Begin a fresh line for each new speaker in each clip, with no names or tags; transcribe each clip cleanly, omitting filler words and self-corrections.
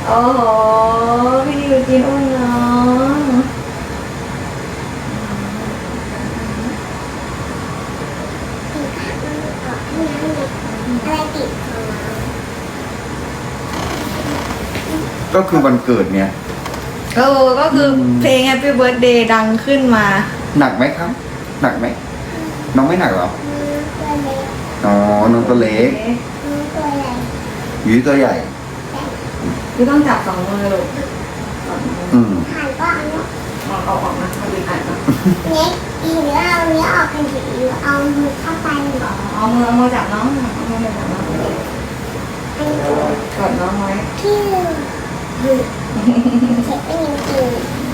โอ้โหพี่ยูจินอุ้มน้อง
อะไรติดของเรา
ก็คือวันเกิดเนี่ย
ก็คือเพลง Happy Birthday ดังขึ้นมา
หนักไหมครับ หนักไหมน้องไม่หนักเหรอ
ตัวเล็ก
อ๋อน้องตัวเล็ก
ตัวใหญ่
หยูตัวใหญ่
คือต้องจับสองมือลูก
อืม
ผ่านก็อันนี้
เอาออกนะเอาดีอ่านนะ
เน็กหรือเอาเนี้ยออกกันหรือเอามือเข้าไปหรอ
เอามือจับน้องเอามือจับน้อง
อันนี้
กอดน้องไว้
ที่เช็คเป็นยังไง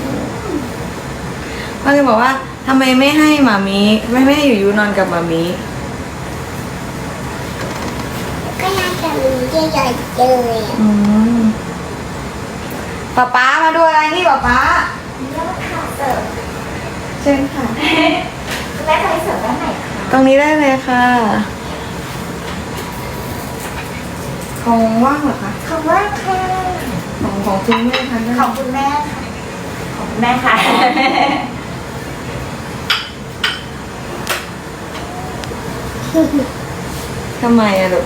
ก็เลยบอกว่าทำไมไม่ให้หมามีไม่ให้อยู่นอนกับหมามี
ก็น่าจะมีใหญ่ๆเลยอ่ะ
ป๊ามาดูอะไรนี่ป๊า
แล้วขาเสิร์ฟ
เชิญค่ะ
แม่ไปเสิร์ฟด้านไหนคะ
ตรงนี้ได้เลยค่ะของว่างเหรอคะ
ขอบคุณค่ะ
ของคุณแม่คะได้
ขอบคุณแม่ค่ะขอบคุณแม่ค่ะ
ทำไมอะลูก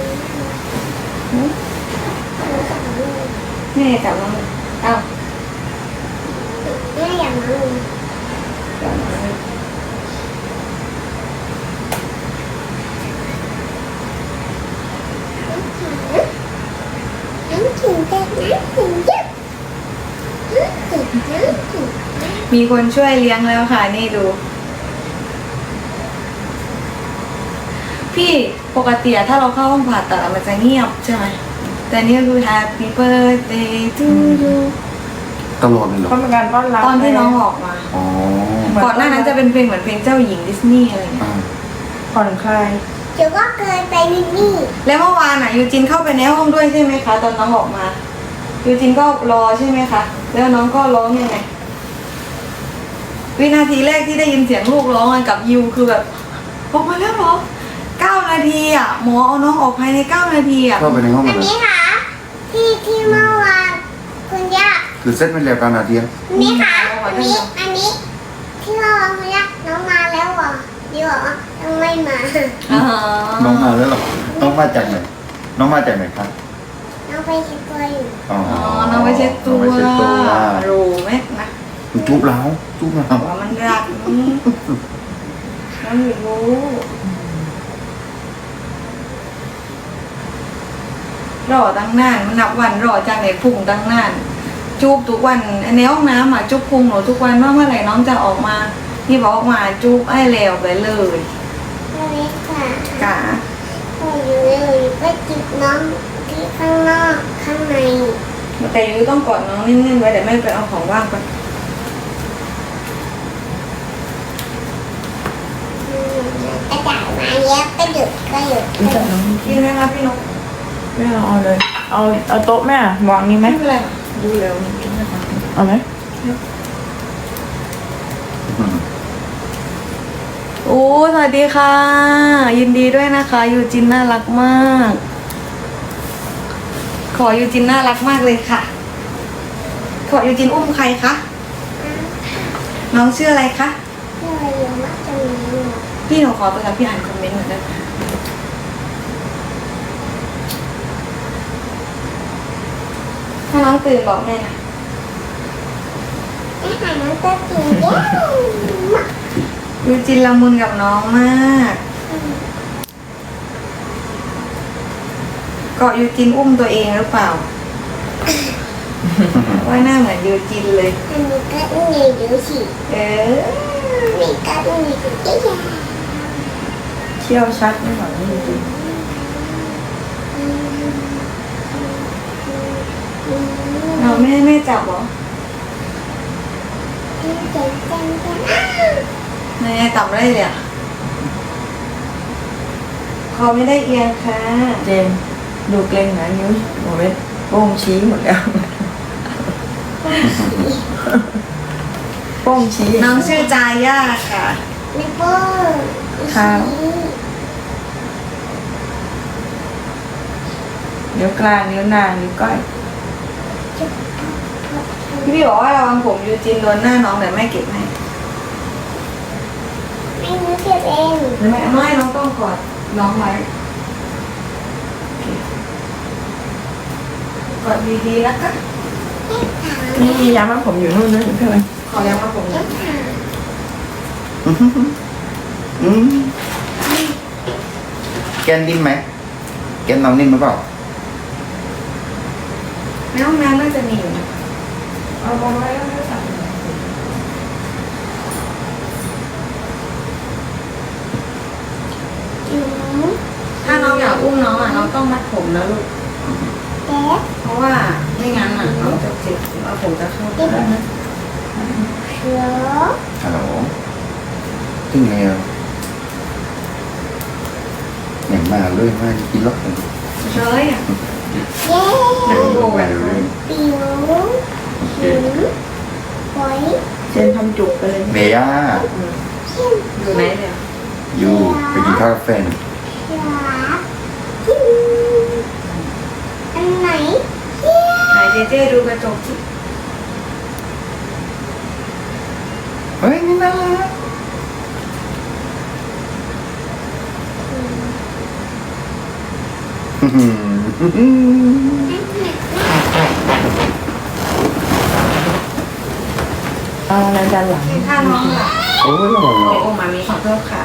นี่จับน้องเอ้า
แม่อย่ามาเลย
จับน้อง
น้ำขิงเด็กน้ำขิงเยอะน้ำขิงน้ำขิง
มีคนช่วยเลี้ยงแล้วค่ะนี่ดู พี่ปกติอะถ้าเราเข้าห้องผ่าตัดอะมันจะเงียบใช่ไหมแต่นี่ก็คือ Happy Birthday to you
ตลอดเลยเหรอ
ก็เป็นการต้อนรับ
ตอนที่น้องออกมา
อ๋อ
ก่อนหน้านั้นจะเป็นเพลงเหมือนเพลงเจ้าหญิงดิสนีย์อะไรเงี้ย
อ่า
ผ่อนคลาย
เดี๋ยวก็เกินไปนิดนี่
แล้วเมื่อวานอ่ะยูจินเข้าไปในห้องด้วยใช่ไหมคะ ตอนน้องออกมายูจินก็รอใช่ไหมคะแล้วน้องก็ร้องยังไงวินาทีแรกที่ได้ยินเสียงลูกร้องกันกับยูคือแบบออกมาแล้วเหรอ9 นาทีอ่ะหมอเอาน้องออกภายใน9 นาทีอ่ะ
เข้าไปในห้อง
อั
มัน นเลย
นี้ค่ะที่เมื่อวานคุณย่า
คือเซ็ตเป็นแล้วกันนาที
นี่ค่ะอันนี้ที่เมื่อวานคุณย่าน้องมาแล้วเหรอดีบอกว่ายังไม่มา
อ๋อ
น้องมาแล้วเหรอ น้องมาจากไหน น้องมาจากไหนครับ
น้องไปเช็ดตัวอยู่
อ๋อ
อ๋อน้องไปเช็ดตัว
น้องไปเช็ดตัว
รู้ไหมนะ
จุ๊บแล้วจุ๊บแล้ว
ว่ามันรักน้องอยู่รู้รอตั้งนานมันนับวันรอจากไหนพุ่งตั้งนานจูบทุกวันในห้องน้ำอ่ะจูบพุงหนูทุกวันว่าเมื่อไหร่น้องจะออกมานี่บอกออกมาจูบไอ้แล้วไปเลย
ไม่ได้ค่ะ
กะ
อยู่เลยไปจิบน้องที่ข้างนอกข้างใน
แต่ยูต้องกอดน้องนิ่งๆไว้เดี๋ยวแม่ไปเอาของว่างก่อน
กระดาษมาเยอะก็หยุดก็หยุด
รู้จักน้อง
กินไหมคะพี่นก
แม่เอาเลย เอาโต๊ะแม่วางนี้ไหม
ไม่เป็นไรดูเร็ว
เอาไหม
โอ้สวัสดีค่ะ ยินดีด้วยนะคะยูจินน่ารักมาก ขอยูจินน่ารักมากเลยค่ะ ขอยูจินอุ้มใครคะน้องชื่ออะไรคะ
เยอะเยอะมากจนนี้
พี่หนูขอตัวนะพี่อ่านคอมเมนต์หน่อยได้ไหมถ้าน้องตื่นบอกแม่นะ
อาหารน้องก็กินเยอะมาก
ยูจินละมุนกับน้องมากเกาะยูจินอุ้มตัวเองหรือเปล่า ว่าหน้าเหมือนยูจินเลย
อันนี้ก็อุ้งใหญ่เดี๋ยวสิ
เออ
นี่ก็อุ้งใหญ่เดี๋ยวใหญ่
เที่ยวชัดไม่หวังจริง
เราไม่ให้แม่จับเหรอ
เจ๋งจังจัง
แม่จับได้เลยอ่ะคอไม่ได้เอียงค่ะ
เจนดูเกรงนะนิ้วโมเวทโป้งชี้หมดแล้ว โป้งชี้
น้องชื่อจาย่าค่ะ
นิ้วโป้ง
นิ้วกลางนิ้วนางนิ้วก้อย
น
พี่บอกว่าระวังผมยูจินโดนหน้าน้องเดี๋ยวแม่เก็บให้
ไม่รู้เก็บเอง
ไม่น้องต้องกอดน้องไว้กอดดีๆนะคะ
นี่ยามาผมอยู่นู่นนะเพื่อน
ขอยังมาผมหน่อย
อืมแกนนิ่มไหมแกนน้องนิ่มหรือเปล่า
ในห้องน้ำน่าจะมีอยู่นะ
เอามาไว้แล้วไม่ใส่
อืม
ถ้าน้องอยากอุ้มน้องอ่ะน้องต้องมัดผมนะลูก
เด็ก
เพราะว่าไม่งั้นอ่ะน้องจะเจ็บแล้วผมจะเข้าตัวนะ
เสือ
ฮัลโหลถึงไงอ่ะอย่างมาเลยมากินรถกัน
เชยอ่ะ
เย้
หนังโบกอ่ะ
ปิวหินหอย
เจนทำจุกไปเลย
เมย่า
อยู่ไหนเนี่ย
อยู่ไปกินข้าวกับแฟน
เสือหินอันไหนเย้
ไหนเจเจดูกระจกสิ
เฮ้ยนี่น่ารักอืม
เอาอะไรด้านหลัง
ถ้าน้องหลับ
โอ้ยระวัง
โอ้มามีขอโทษค่ะ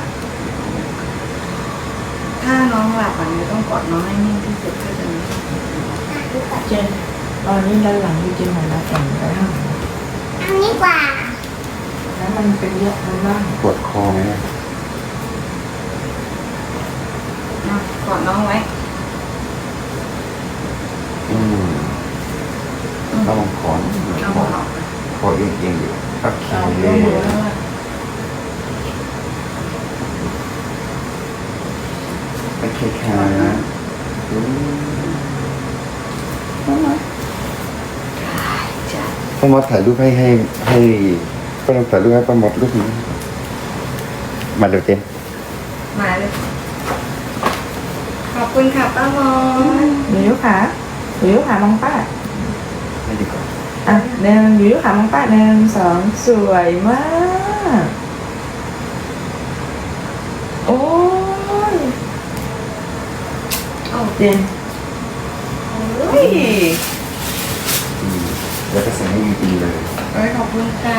ถ้าน้องหลับอ่ะต้องกอดน้องให้นิ่งที่สุดก็จะมี
เจนตอนนี้ด้านหลังจริงๆเหมือนเราแข่งกันแล้ว
อันนี้กว่า
แล้วมันเป็นเยอะมันบ้าง
ปวดคอไหมเนี่ย
กอดน้องไว้
อืมระวังคอนะ
เอา
คอ
ออก
คอเอียงๆอยู่โอเค
เอายกมือแล้ว
โอเคค่ะอืม
จ้ะ
ป้ามดถ่ายรูปให้ป้ามดถ่ายรูปให้ป้ามดรูปนี้มาเดี๋ยวเจน
มาเลย ขอบคุณค่ะป้ามอน
หนูยุขาหนูยุขามองป้า
ไม่ดีกว่า
อ่ะหนึ่งหนูยุขามองป้าหนึ่งสองสวยมาก โอ้ย
โอ้
เจน
ย
อืมแล้วก็ใส่ให้จริงๆเลย
ขอบคุณค่ะ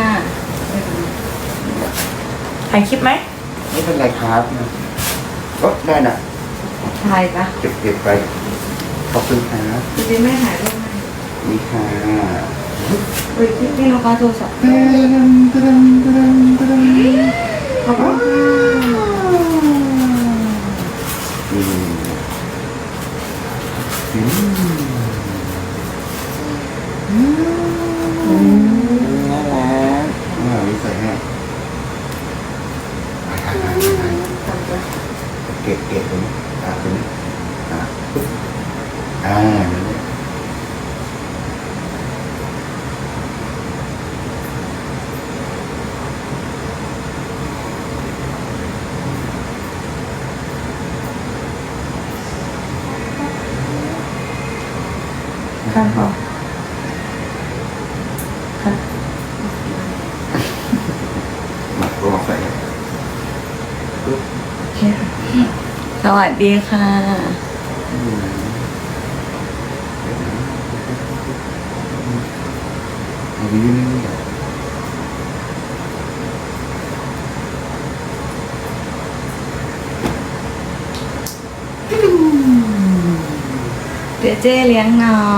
ถ่ายคลิปไหม
ไม่เป็นไรครับนะก็ได้นะ
ถ่ายปะ
เก็บไปขอบคุณครับ
จริงๆไม่ถ่ายรูปให้
นี่ค่ะ
เฮ้ยพี่น้องฟ้าโทรศัพท์
ตะดัมตะดัมตะดัมตะดัม
ขอบคุณค่ะ
อืมอืมน่ารักนี่ใส่ให้เก็บตรงนี้ตรงนี้ปุ๊บนั่นแหละ
ข้างพอค่ะ
มาลองใส่ปุ๊บ
โอเค
สวัสดีค่ะ
เอาไปยื่นๆ
เจเจเลี้ยงน้อง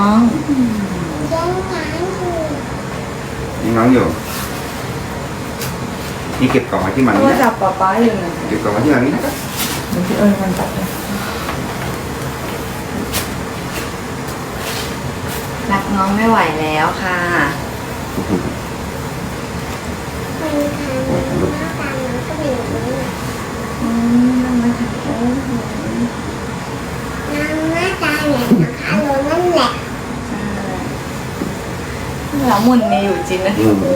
ยังไงอยู่
นี่น้องอยู่ นี่เก็บกล่องไว้ที่มัน
โท
นี่
รศั
นะ
พท์ป๊าป๊าอยู่ไหน
เก็บกล่องไว้ที่มันนี่นะครับ
เดี๋ยวพี่เอิญมันตัดเลย
รักน้องไม่ไหวแล้วค่ะ
คนทำหน้าตาน้องก็เป็นแบบนี้
นั่งมาถ่ายโอ้โห
น้องหน้าตาเนี่ยนะคะโลนั่นแหละ
ใช่แล้วมุนมีอยู่จริงนะ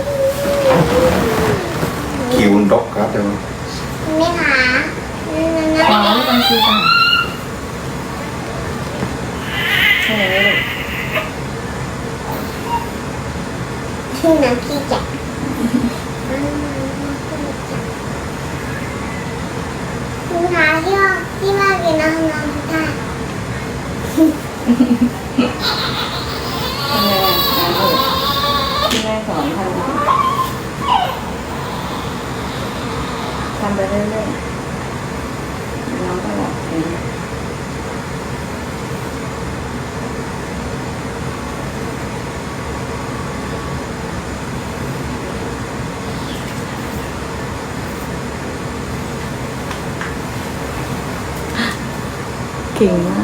คิวดกครับเดี๋ยว
นี่ค่ะนั่น
อ๋อนี่เป็นคือต่างใช่ไหมลูก
ที่น้ำขี้จับคุณทาที่ว่ากินน้ำน้ำได้
ที่แม่สอนทำไปเรื่อยๆน้องก็หลับเองเก่งมาก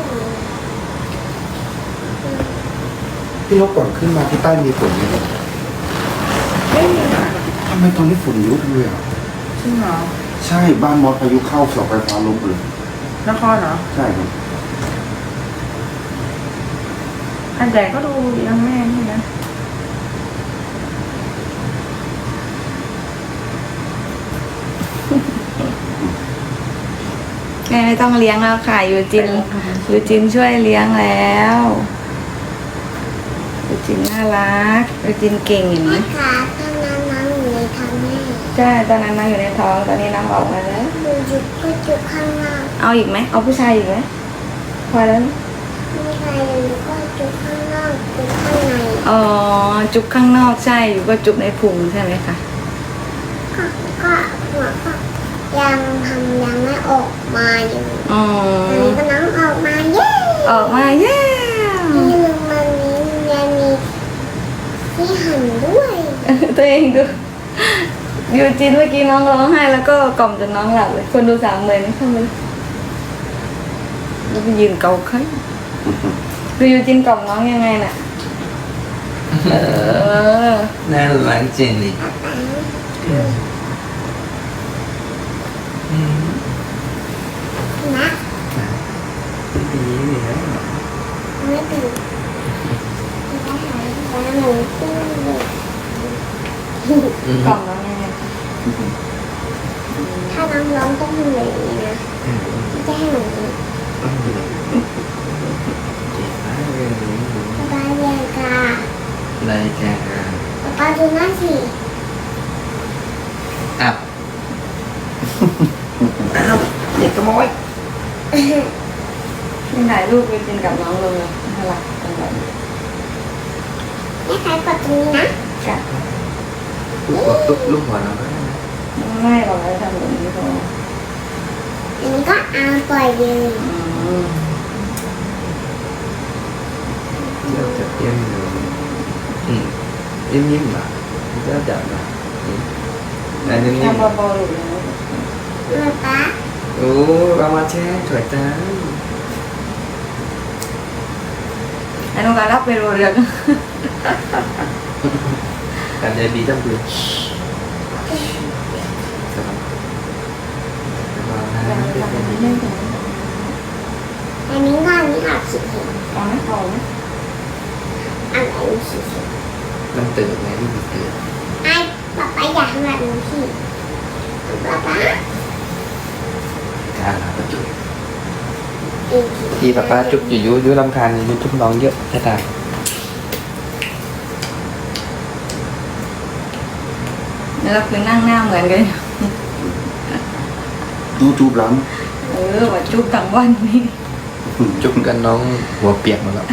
พี่นกก่อนขึ้นมาที่ใต้มีฝนไหม
ไม่มีค่ะ
ทำไมตอนนี้ฝนเยอะเลยอ่ะ
จริงเหรอ
ใช่บ้านมอสพายุเข้าเสาไฟฟ้าล้มเลย
นครเหรอ
ใช่ครับ
อันใหญ่ก็ดูยังแม่นี่นะ
แม่ไม่ต้องเลี้ยงแล้วค่ะยูจินช่วยเลี้ยงแล้วยูจินน่ารักยูจินเก่งเห็นไหม
ค่ะตอนนั้นน้ำอยู่ในท้องแม่
ใช่ตอนนั้นน้องอยู่ในท้องตอนนี้น้องออกมาแล้ว
ดูจุกก็จุกข้างนอก
เอาอีกไหมเอาผู้ชายอีกไหมพอแล้วนะ
ไม่ใช่อยู่ก็จุกข้างนอกจุกข้างใน
อ๋อจุกข้างนอกใช่อยู่ก็จุกในพุงใช่ไหมคะ
ก็หัวก็ยังไม่ออกมาอยู่
อ๋อ
ตอนนี้ก็น้องออกมาเย้
ออกมาเย้
นี่มันนี้ยังมีที่หันด้วย
ตัวเองดูยูจินเมื่อกี้น้องร้องไห้แล้วก็กล่อมจนน้องหลับเลยคนดู30,000นี่เข้ามาแล้วไปยืนเกาไข่คือยูจินกล่อมน้องยังไงน่ะ
น่ารักจริงดิ
นะ
ดีเลยนะ
ไม่ตื่นไม่หายแล้วหนูตื่นเลย
กล่อมน้องยังไง
ถ้าน้องร้องต้องทำแบบนี้นะไม่ใช่ให้หนู
เก่งมากเลย
ป๊าเรียนกา
รายการ
ป๊าดูหน้าสิ
อับอ้าวเด็กขโมย
นี่ถ่ายรูปยูจินกับน้องลงเลยน่ารักจังเลย
แม่ใครกดตรงนี้นะ
จ้ะ
ลูกหัวเราก็ได้นะ
ไม่หรอกเราทำแบบนี้พอ
อันนี้ก็เอาปล่อยเลย
เราจะเตรียมอยู่นิ่มๆอ่ะจะจับนะอันนิ่ม
ทำเบาๆหรือยัง
ป๊า
ๆโอ้เรามาแช่สวยจัง
ไอ้น้องการรับไปโรเรือง
การใจดีจังเลยสบายนะ
อันนี้ก็อันนี้อาบสีเขียว
เอาไหมเอาไหม
อันนี้สีเขียว
มันตื่นไงที่มันตื่น
ไอ้ป๊าอยากทำแบบนี้พี่ป๊า
การหาประจุ
อีก
ที่ป้าจุกอยู่ยุรำคาญอยู่ทุกน้องเยอะจะตาย
แล้วเราคือนั่งหน้าเหมือนกัน
ดูจูบล้
ว่าจุ๊บทั้งวันนี่
จุกกันน้องหัวเปียกหมดแล้ว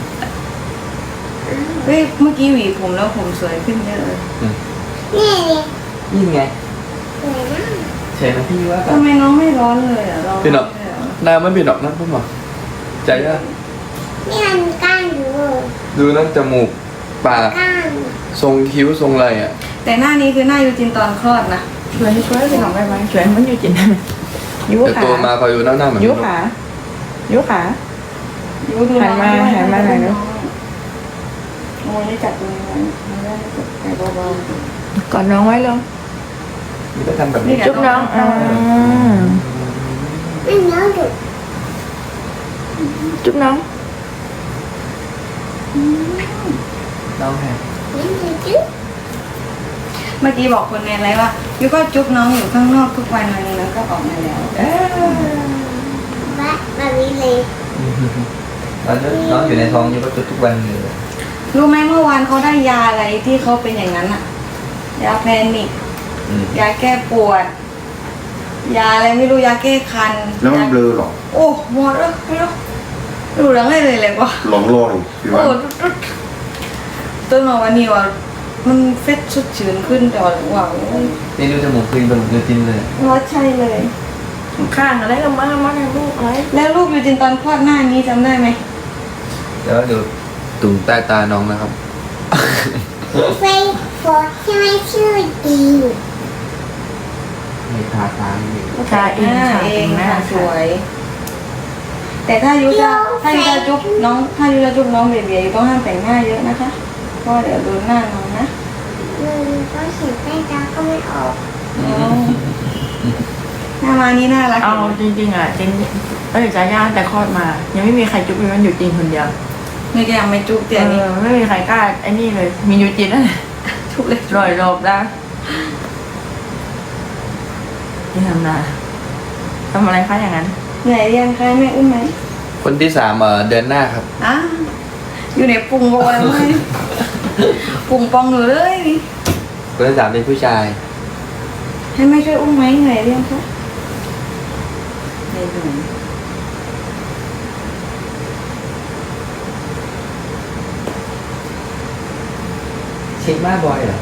เฮ้ยเมื่อกี้หวีผมแล้วผมสวยขึ้นเยอะเลย
นี่เลย
นี่ไง
สวยนะ
เฉยนะพี่ว่า
ทำไมน้องไม่ร้อนเลยอ่ะร้อน
พี่หนอกน้ำไม่พี่หนอกนะพี่หมอใจอ่ะ
นี่มันก้านอยู่
ดูนั่นจมูกปาก
ก้าน
ทรงคิ้วทรงอะไรอ่ะ
แต่หน้านี้คือหน้ายูจินตอนคลอดนะ
ช่วยไปหน่อยไปไหมช่วยมันอยู่จินได้ไหมยุ
แต่
ขา
โตมาคอยอยู่หน้าเหมือน
ยุขายุขา
ยูดู
หันมาหันมาหน่อยลูก
โอ้ยนี่จับตรงนี้ไว้ไม่ได้จับแต่เบาก
อดน้องไว้ลง
นี่ก็ทำแบบนี้
จุ๊บน้อง
ไม่เนื้อดุ
จุ๊บน้อง
น้องแฮะ
นี่คือจุ๊บ
ๆเมื่อกี้บอกคนในไลฟ์ว่ายูก็จุ๊บน้องอยู่ข้างนอกทุกวันวันนึงแล้วก็ออกมาแล้ว
แบบนี้เลย
น้องอยู่ในท้องอยู่ก็จุดทุกวันเลย
รู้ไหมเมื่อวานเขาได้ยาอะไรที่เขาเป็นอย่างนั้นอะยาแพนิก
อืม
ยาแก้ปวด ยาอะไรไม่รู้ยาแก้คัน
แล้วมันเบลอหรอ
โอ้หมดแล้วไม่รู้ดูเรื่องอะไรเลยเลยว่ะ
หลงลอยพี่
โอ้
ว่า
จนมาวันนี้ว่ามันเฟซสดชื่นขึ้นแต่ว่าโอ้ย
นี่ดูจมูกขึ้นจมูกเนื้อจิ้นเลย
ว่าใช่เลย
ข้างอะไรก็มาให้ลูกอะไร
แล้วลูกอยู่จินตอนคลอดหน้านี้จำได้ไหม
แล้วเดี๋ยวตุ่มใต้ตาน้องนะครับ
เฟยโฟร์ใช่ไหมชื่อจริง
มีทาตาอยู่
ทาเอง
หน้า
ค่ะ
เอง
หน้า
ค่ะสวย แต่ถ้ายุจะจุ๊บน้องถ้ายุจะจุ๊บน้องเบียๆอยู่ต้องห้ามแต่งหน้าเยอะนะคะเพราะเดี๋ยวโดนหน้าน้องนะ
มันก็เขียนใต้ตาก็ไม่ออก
หน้ามานี่น่ารัก
เอาจริงๆอ่ะจริงจะย่าแต่คลอดมา ยังไม่มีใครจุ๊บมันอยู่จริงคนเดียว
นี่ก็ยังไม่จุ๊บเตี๋ยนี่
ไม่มีใครกล้าไอ้นี่เลย มีอยู่จริงนั่นแหละ
จุ๊บเลย
ลอยหลบได้ที่ทำนาทำอะไรคะอย่างนั้น
เหนื่อยเรียงใครไม่อุ้มไหม
คนที่สามเดือนหน้าครับ
อ่ะอยู่ในปุ่งโบแล้วไหมปุ่งปองอยู่เลยนี่
คนที่สามเป็นผู้ชาย
ให้ไม่ช่วยอุ้มไหมเหนื่อยเรียงคะไม่เหนื่อย
เช็คบ้าบอยเหรอ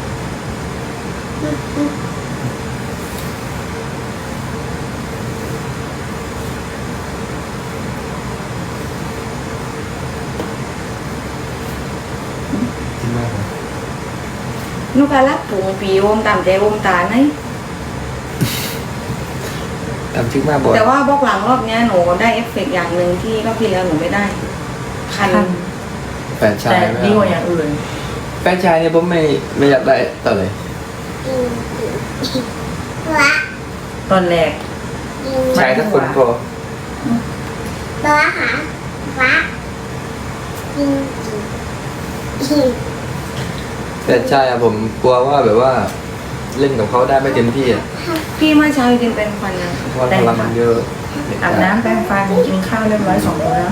เช็คบ้าบอย
นุกาลักปุ่งปีวมตามใจวมตาไหน
ทำเช็คบ้าบอย
แต่ว่าบล็อกหลังรอบเนี้ยหนูได้เอฟเฟกต์อย่างหนึ่งที่รอบที่แล้วหนูไม่ได้ คัน
แฟนชา
แต่
ยไม่
ดีกว่า
เอา
อย่างอื่น
แฟนชายเนี่ยผมไม่อยากได้ต่อเลย
วะ
ตอนแรก
ชายถ้าคนพอ
ตัวหาฟ้าจริงจริง
แฟนชายอะผมกลัวว่าแบบว่า เล่นกับเขาได้ไม่เต็มที่อะ
พี่เมื่อเช้าจริงเป็นควันยัง
เพราะว่าพลังมันเยอะ
อาบน้ำแปรงฟันกินข้าวเรียบร้อย2 มื้อแล้ว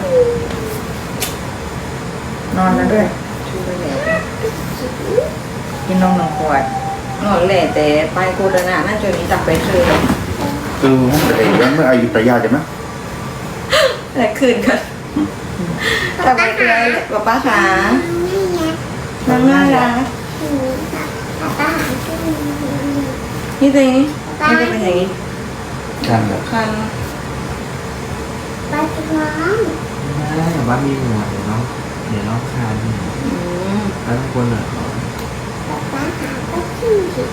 นอนแล้วด้วย
ชูไปแล้ว
กินนม1 ขวด
นอนแหละแต่ไปโคดนาน่าจะมีจับไปคืน
คือห้องแต่ยังไม่อายุตยาใช่ไหม
แต่คืนกันจับไปคืนป๊าป้าขา
ไม่ไง
น้ำน่ารัก
ตาหาขึ้น
นี่ตัวนี้มันจะเป็นอย่างนี้
กันแบบ
คัน
ปลาจุกน้อง
ไม่แบบว่ามีหนวดเดี๋ยวน้องคานเนี่ย
อืม
แล้วทุกคนอ่ะ
ตาหาก็ขึ้นสิ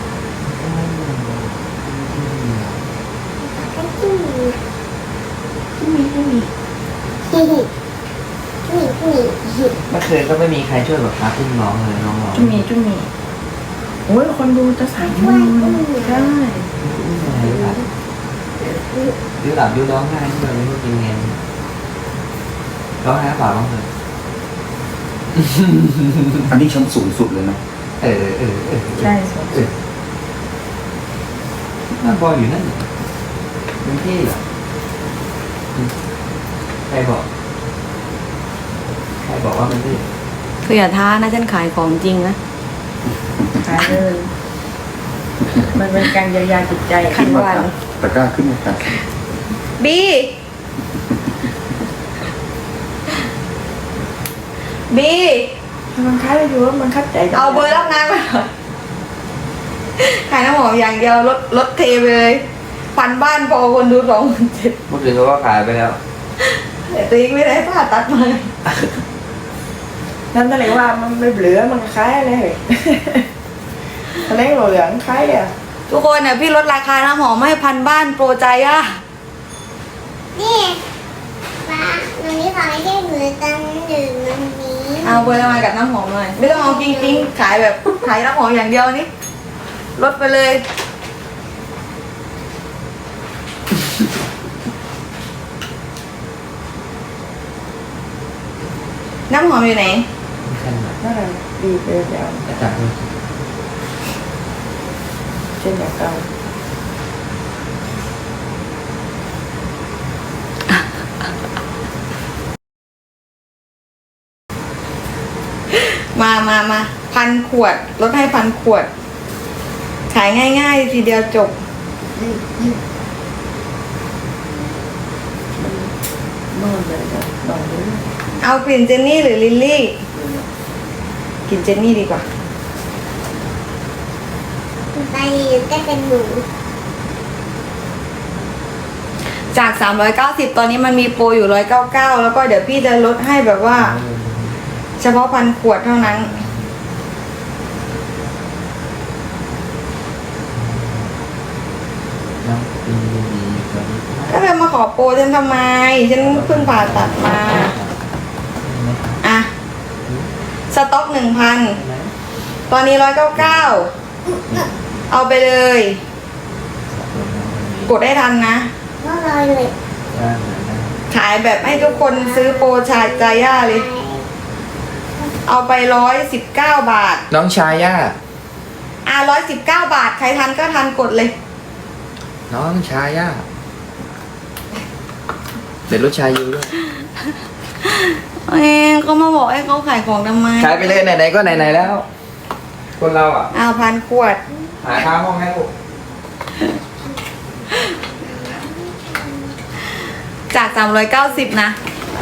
ก็ขึ้น
ที่มีที่มี
นี่
เมื่อคืนก็ไม่มีใครช่วยแบบพาขึ้นน้องเลยน้องร้อง
จุ่มีโอ้ยคนดูจะ3
ช่วย
มื้อ
อุ้ม
ได้
ดื้อหลับดื้อร้องไห้ที่แบบไม่รู้กินไงร้องไห้เปล่าร้องเลย
อันนี้ชั้นสูงสุดเลยนะ
เออ
ใช่สด
นั่นบอยอยู่นั่นเป็นที่เหรอใครบอกว่ามันที่
คืออย่าท้านะฉันขายของจริงนะ
หายเลยมันเป็นการเยียวยาจิตใจ
ขันวัน
ตะกร้าขึ้นมาค่ะ
บีบี
มันคล้ายไปอยู่ว่ามันคัดใจ
เอาเบอร์รับงานมาหน่อยขายน้ำหอมอย่างเดียวลดเทไปเลยพันบ้านพอคนดู27,000
เมื่อคืนเขาก็ขายไปแล้ว
แต่ตัวเองไม่ได้ผ่าตัดมา
นั่นนั่นเลยว่ามันไม่เหลือมันคล้ายอะไรเหรอทะเลเหลืองคล้ายเลยอะ
ทุกคนเนี่ยพี่ลดราคาน้ำหอมให้พันบ้านโปรใจอะ
นี่ป้าวันนี้ขอให้ได้เหมือนกันดื่มวันนี้
เอาเบอร์ละมากับน้ำหอมหน่อยไม่ต้องเอาจริงๆขายแบบขายน้ำหอมอย่างเดียวนี่ลดไปเลย น้ำหอมอยู่ไหน
ไม่ใช่หรอก
นั่นแหละดีไปเดี๋ยว
อาจารย์
เช่นแบบเก่า
มา1,000 ขวดลดให้1,000 ขวด ขายง่ายๆทีเดียวจบ
นอนเลยจ้ะนอนเลย
เอากลิ่นเจนนี่หรือลิลลี่กลิ่นเจนนี่ดีกว่า
ไปก็เป็นหนู
จาก390ตอนนี้มันมีโปรอยู่199แล้วก็เดี๋ยวพี่จะลดให้แบบว่า เฉพาะ1,000 ขวดเท่านั้น
น้องปีนี้สวัสดีครับ
ก็เลยมาขอโปรฉันทำไม ฉันเพิ่งผ่าตัดมา อ่ะ สต็อก 1,000 ตอนนี้199เอาไปเลย กดได้ทันนะ
ก็ลอยเลย
ขายแบบให้ทุกคนซื้อโปรชายจาย่าเลย เอาไป119 บาท
น้องชาย่า
119 บาท ใครทันก็ทันกดเลย
น้องชาย่าเดี๋ยวรถชายูด้วย
เขามาบอกให้เขาขายของทำไม
ขายไปเลยไหนๆก็ไหนๆแล้ว คนเราอ่ะ
1,000 ขวด
หาค่าห้องให้ลูก
จาก390นะ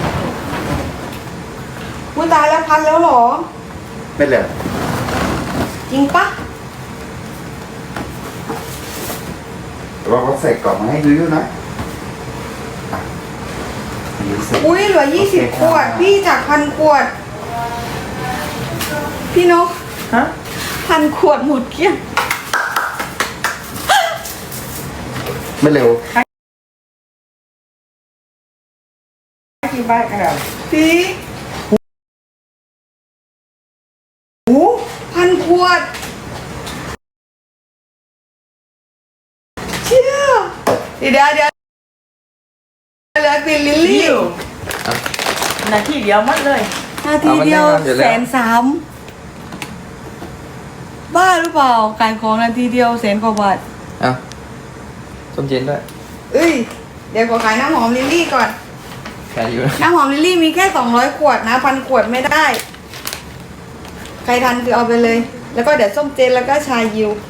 อุ้ยตายแล้ว1,000แล้วเหรอ
ไม่เหลือ
จริงปะ
เราก็ใส่กล่องมาให้ดูอยู่นะอ่ะดูสิ
อุ้ยเหลือ20 ขวด พี่จาก1,000 ขวด พี่นก
ฮะ
1,000 ขวดหมดเกลี้ยง
ไม่เร็ว
ที่บ้านกันเหรอ
พี่โอ้1,000 ขวด เชี่ยเดี๋ยวเหลือกลิ่นลิลลี่
นาทีเดียวหมัดเลย
นาทีเดียว130,000บ้าหรือเปล่าขายของนาทีเดียว100,000 กว่าบาท
เอ้าส้มเจนด้วย
เอ้ย เดี๋ยวขอขายน้ำหอมลิลลี่ก่อน
ชายู
น้ำหอมลิลลี่มีแค่200 ขวดนะ1,000 ขวดไม่ได้ ใครทันคือเอาไปเลย แล้วก็เดี๋ยวส้มเจนแล้วก็ชายิว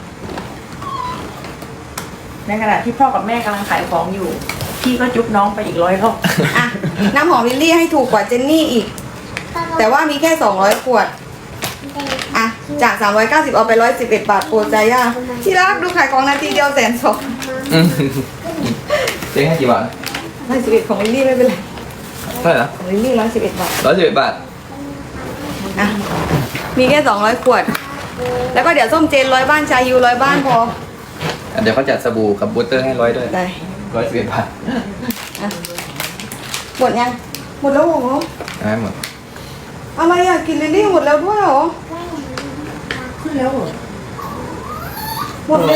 ในขณะที่พ่อกับแม่กำลังขายของอยู่ พี่ก็จุ๊บน้องไปอีก100 รอบ
อ่ะ น้ำหอมลิลลี่ให้ถูกกว่าเจนนี่อีก แต่ว่ามีแค่200 ขวด อ่ะ จาก390เอาไป111 บาทโปรจาย่าที่รักดูขายของนาทีเดียว120,000
อืมเจ๊ให้กี่บาท
111ของลิลลี่ไม่เป็นไร
เท่าไหร่นะ
ของลิลลี่111 บาท
111 บาท
อ่ะ มีแค่200 ขวด แล้วก็เดี๋ยวส้มเจน100 บ้านชายู100 บ้านพอ
เดี๋ยวเขาจัดสบู่กับบูสเตอร์ให้100 ด้วย
ได้
111 บาท
อ่ะ หมดยัง หมดแล้วเหรอ
ได้หมด
อะไรอ่ะ กินลิลลี่หมดแล้วด้วยเหรอ
ขึ้นแล้วเหรอ
หมดเลย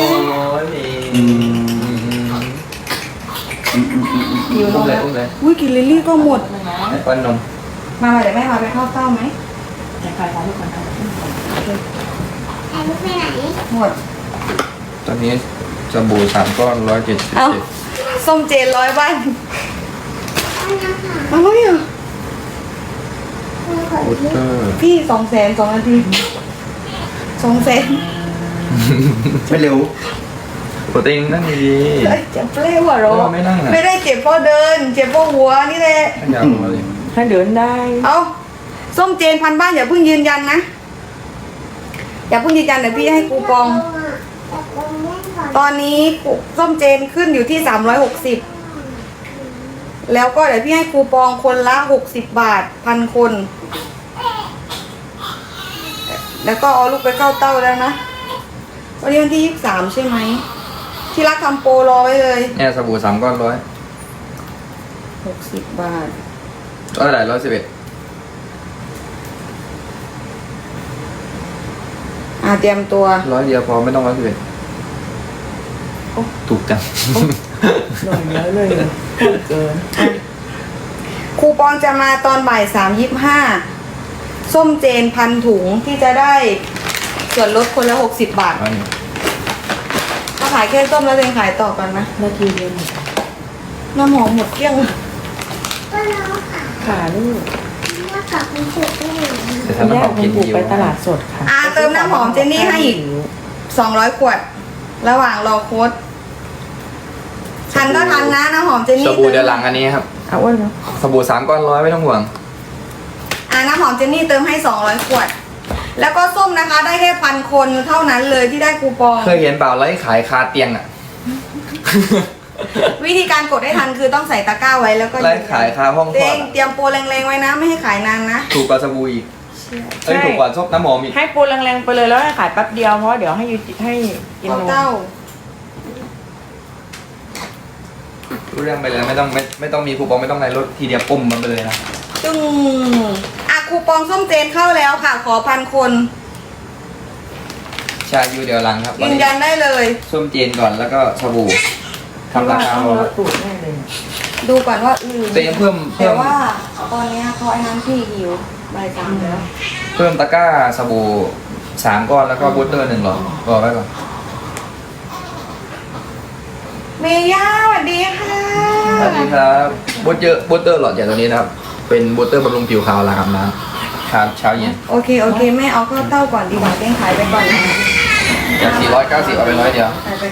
อยู่อุ้มเลยอุ้มเลย
อุ้ยกินลิลลี่ก็หมด
ให้ป้อนนม
มาเดี๋ยวแม่พาไปเข้าเต้าไหม
จะขายของทุกคนทำ
ไอ้ลูกไปไหน
หมด
ตอนนี้สบู่3 ก้อน
เอ้า
177
ส้มเจน100 บ้าน
อันนั้นค่ะ
อะไรอ่ะ
คุณขอ
บูส
ที่
เตอร์
พี่200,000 2 นาที200,000
ไม่เร็ว
โปรตีนนั่นดี
เอ้ยเจ็บเปรี้ยวอ่ะเหรอ
ไม่นั่งอ่ะ
ไม่ได้เจ็บเพราะเดิน เจ็บเพราะหัวนี่แหละ
ให้ยาวลงมาเลย
ถ้าเดินได้
เอาส้มเจน1,000 บ้านอย่าเพิ่งยืนยันนะ อย่าเพิ่งยืนยันเดี๋ยวพี่ให้คูปอง ตอนนี้ส้มเจนขึ้นอยู่ที่360 แล้วก็เดี๋ยวพี่ให้คูปองคนละ60 บาท1,000 คน แล้วก็เอาลูกไปเข้าเต้าแล้วนะ วันนี้วันที่23ใช่ไหม ที่รักทำโปรรอไว้เลย
เนี่ยสบู่3 ก้อน
60 บาท
100เท่าไหร่111
เตรียมตัว
100 เดียวพอไม่ต้อง111ถูกจัง
หน่อยเยอะเลยเกิน
คูปองจะมาตอนบ่าย3:25ส้มเจน1,000 ถุงที่จะได้ส่วนลดคนละ60 บาท ถ้าขายแค่ส้มแล้วเองขายต่อกันนะ
นาทีเดียวหมด
น้ำหอมหมดเกลี้ยง
ก็น้องค่ะ
ขาลูก
น้องฝากมันถือไปหน่อย
เดี๋ยวทำน้ำหอมกิน
บุก
ยิว
ไปตลาดสดค่ะ
เติมน้ำหอมเจนนี่ให้อีก 200 ขวด ระหว่างรอโค้ดทันก็ทันนะน้ำหอมเจน
ส
นี่
บู่เดือนหลังอันนี้ครับ
เอาอ้วนเนาะ
สบู่3 ก้อน100ไม่ต้องห่วง
น้ำหอมเจนนี่เติมให้ 200 ขวด แล้วก็ส้มนะคะ ได้แค่1,000 คนเท่านั้นเลยที่ได้คูปอง
เคยเห็นเปล่าไลฟ์ขายคาเตียงอ่ะ
วิธีการกดให้ทันคือต้องใส่ตะกร้าไว้แล้วก็
ไลฟ์ขายคาห้องค
เต
ลอด
เตรียมโปรแรงๆไว้นะไม่ให้ขายนานนะ
ถูกกว่าสบู่อีกเอ้ยถูกกว่าซบน้ำหอมอีก
ให้ปูแรงๆไปเลยแล้วให้ขายแป๊บเดียวเพราะเดี๋ยวให้กิน
ขอน
ม
เต้า
รู้เรื่องไปเลยไม่ต้องมีคูปองไม่ต้องอะไรลดทีเดียวปุ่มมันไปเลยนะ
จึงคูปองส้มเจนเข้าแล้วค่ะ ขอ1,000 คน
ชายูเดี๋ยวหลังครับ
ยืนยันได้เลย
ส้มเจนก่อนแล้วก็สบู่ทำราคา
ต้อง
เอา
ลดตูดแน่เลย
ดูก่อนว่า
เตรียมเพิ่ม
แต่ว่าตอนเนี้ยเขาไอ้นั้นพี่หิวใบาย3แล้ว
เพิ่มตะกร้าสบู่3 ก้อนแล้วก็บูสเตอร์1 หลอดรอไว้ก่อน
เมย่าสวัสดีค่ะ
สวัสดีครับบูสเตอร์หลอดใหญ่ตัวนี้นะครับเป็นบูสเตอร์บำรุงผิวขาวล้างอาบน้ำครับเช้าเย็น
โอเคแม่เอาข้าวเต้าก่อนดีกว่าเต้งขายไปก่อนนะ
จาก490เอาไป100 เดียว
ขายไป